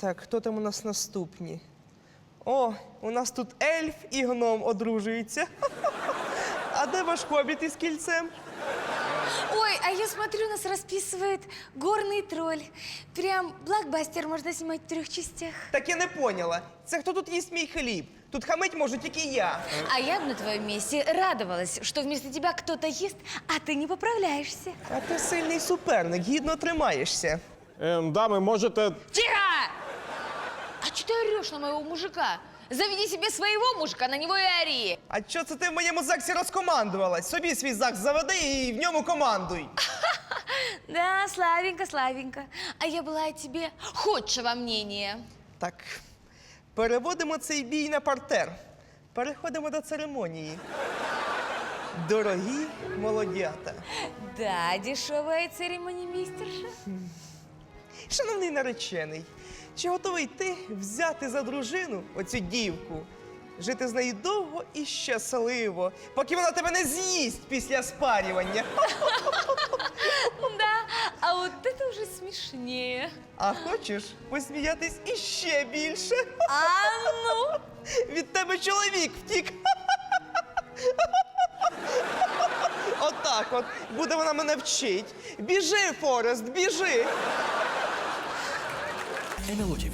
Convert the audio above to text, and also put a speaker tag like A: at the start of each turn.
A: Так, хто там у нас наступні? О, у нас тут ельф і гном одружуються. А де ваш хобіт із кільцем?
B: Ой, а я смотрю, нас расписывает горный тролль. Прям блокбастер можно снимать в 3 частях.
A: Так я не поняла. Це хто тут їсть мій хліб? Тут хамить можу тільки я.
B: А я бы на твоем месте радовалась, что вместо тебя кто-то ест, а ты не поправляешься.
A: А ти сильний суперник, гідно тримаєшся.
C: Дами, можете...
B: Тихо! А что ты орешь на моего мужика? Заведи себе своего мужика, на него и ори.
A: А чо це ти в моєму ЗАГСі розкомандувалась? Собі свій ЗАГС заведи і в ньому командуй.
B: Да, славенько, славенько. А я была о тебе худшего мнения.
A: Так, переводимо цей бій на партер. Переходимо до церемонії. Дорогі молодята.
B: Да, дешевая церемонимейстерша.
A: Шановний наречений, чи готовий ти взяти за дружину оцю дівку, жити з нею довго і щасливо, поки вона тебе не з'їсть після спарювання?
B: Да, а вот это уже смешнее.
A: А хочеш посміятись іще більше?
B: А ну?
A: Від тебе чоловік втік. Отак от буде вона мене вчить. Біжи, Форест, біжи.
D: НЛО ТВ.